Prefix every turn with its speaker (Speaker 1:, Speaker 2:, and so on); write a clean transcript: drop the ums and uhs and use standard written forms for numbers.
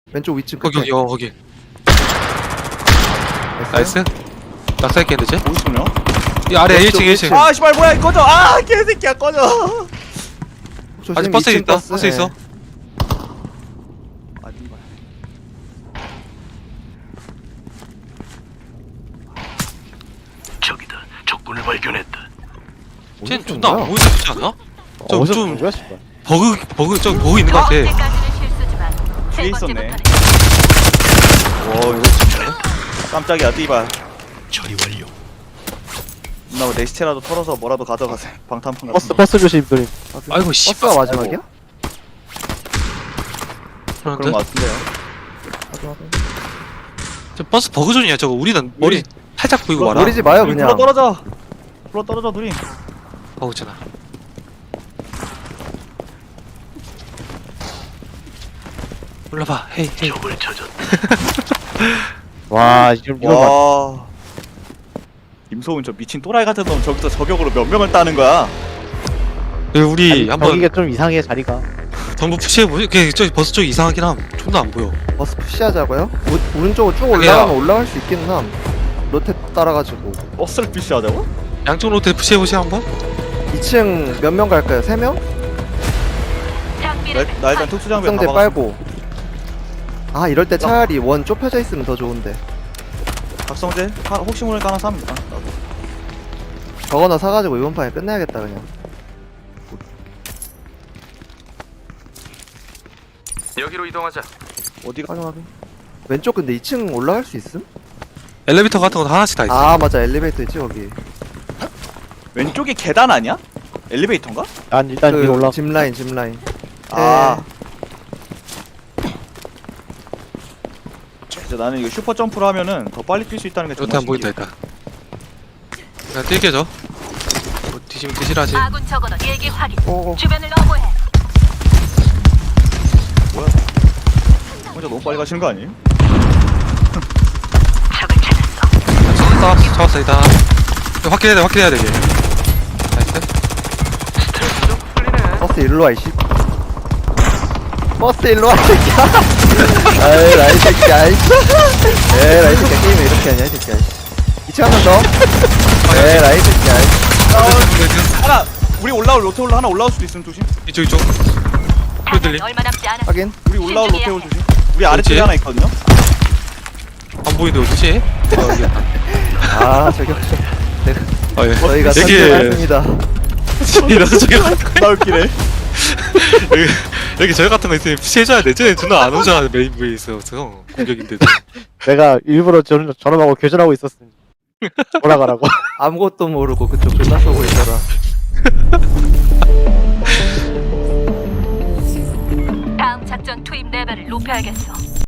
Speaker 1: 왼쪽 위층 끝에.
Speaker 2: 거기 거기.
Speaker 1: 됐어요?
Speaker 2: 나이스. 낙사했겠는데 쟤?
Speaker 3: 어디 있냐?
Speaker 2: 이 아래
Speaker 1: 왼쪽
Speaker 2: 1층 1층.
Speaker 3: 아 씨발 뭐야 꺼져. 아 개새끼야 꺼져.
Speaker 1: 조심,
Speaker 2: 아직 버스
Speaker 1: 2층
Speaker 2: 있다. 버스 있어.
Speaker 1: 네.
Speaker 3: 아닌 거야.
Speaker 4: 저기다. 적군을 발견했다.
Speaker 2: 쟤
Speaker 1: 어디서
Speaker 2: 존나 안
Speaker 1: 온 거야?
Speaker 2: 보이지 않지 않아?
Speaker 5: 어디서
Speaker 2: 좀
Speaker 5: 본 거야, 씨발?
Speaker 2: 저기 버그 있는 것 같아.
Speaker 6: 아직까지는 실수지만 세
Speaker 3: 뒤에 있었네.
Speaker 6: 번째부터는
Speaker 3: 와 이거 깜짝이야 띠발.
Speaker 4: 처리 완료.
Speaker 3: 나 내 시체라도 털어서 뭐라도 가져가세요. 방탄판 같은 거.
Speaker 5: 버스 조심, 누님.
Speaker 2: 아이고 씨.
Speaker 1: 버스가 마지막이야?
Speaker 3: 그런 거 같은데요.
Speaker 2: 저 버스 버그존이야 저거. 우리는 머리 살짝 보이고 말아.
Speaker 1: 노리지 마요
Speaker 3: 불러
Speaker 1: 그냥.
Speaker 3: 떨어져. 불러 떨어져 누님.
Speaker 2: 버그잖아. 올라봐. 헤이 헤이.
Speaker 4: 적을 찾았다.
Speaker 5: 와, 지금 이거 봐.
Speaker 3: 와. 임소은 저 미친 또라이 같은 놈 저기서 저격으로 몇 명을 따는 거야.
Speaker 2: 우리
Speaker 5: 아니,
Speaker 2: 한번
Speaker 5: 저기가 좀 이상해, 자리가.
Speaker 2: 전부 푸시해보지. 저기 버스 쪽 이상하긴 함. 존나 안 보여.
Speaker 1: 버스 푸시하자고요? 오른쪽으로 쭉
Speaker 2: 아니야.
Speaker 1: 올라가면 올라갈 수 있긴 함. 로테 따라가지고.
Speaker 3: 버스를 피시하자고?
Speaker 2: 양쪽 로테 푸시해보시 한번.
Speaker 1: 2층 몇 명 갈까요? 3명?
Speaker 6: 장비를
Speaker 3: 나 일단 특수장비
Speaker 1: 특성대
Speaker 3: 다
Speaker 1: 빨고. 아 이럴 때 차라리 원 좁혀져 있으면 더 좋은데.
Speaker 3: 박성재 혹시 모르니까 하나 삽니다. 나도.
Speaker 1: 저거나 사가지고 이번 판에 끝내야겠다 그냥.
Speaker 2: 여기로 이동하자.
Speaker 3: 어디가?
Speaker 1: 확인하게. 왼쪽 근데 2층 올라갈 수 있음?
Speaker 2: 엘리베이터 같은 거 하나씩 다 있어.
Speaker 1: 아 맞아 엘리베이터 있지 거기.
Speaker 3: 왼쪽이 계단 아니야? 엘리베이터인가?
Speaker 5: 난 일단 위로 올라.
Speaker 1: 짚라인 짚라인.
Speaker 3: 아. 진짜 나는 이거 슈퍼 점프를 하면은 더 빨리 뛸 수 있다는 게
Speaker 2: 로테
Speaker 3: 정말
Speaker 2: 안 보인다
Speaker 3: 신기해.
Speaker 2: 일단. 그냥 뛸게죠. 뭐 뒤지면 뒤질하지.
Speaker 6: 아군 적어도 일기 확인.
Speaker 1: 오.
Speaker 6: 주변을 너무해.
Speaker 3: 혼자 너무 빨리 가시는 거 아니에요?
Speaker 6: 적을 찾았어.
Speaker 2: 잡았어 일단. 확인해야 돼 이게. 나이스.
Speaker 1: 버스 일로 와 이씨. 버스 일로 와 이 새끼야. 아이 라이 새끼야. 에이 라이 새끼야 게임을 이렇게 하냐 이 새끼야. 2층 한 명 더. 에이 라이 새끼야.
Speaker 3: 하나 우리 올라올 로테 올라 하나 올라올 수도 있으면 조심.
Speaker 2: 이쪽. 소리 들림?
Speaker 6: 얼마 남지 않아.
Speaker 1: 확인.
Speaker 3: 우리 올라올 로테
Speaker 6: 신중해야
Speaker 3: 올 조심. 우리 아래쪽에
Speaker 2: 그렇지.
Speaker 3: 하나 있거든요.
Speaker 2: 안 보이는데 어디지?
Speaker 1: 아 저기
Speaker 2: 아 예.
Speaker 1: 저희가
Speaker 2: 이게
Speaker 1: 선택했습니다.
Speaker 2: 이래서 저기
Speaker 3: 나 웃기네.
Speaker 2: 여기 저희 같은 거 있으면 푸시해줘야 돼. 쟤네 존나 안 오잖아 메인 부에 있어서 공격인데도.
Speaker 5: 내가 일부러 전화하고 교전하고 있었으니. 돌아가라고.
Speaker 1: 아무것도 모르고 그쪽 존나 쏘고 있더라.
Speaker 6: 다음 작전 투입 레벨을 높여야겠어.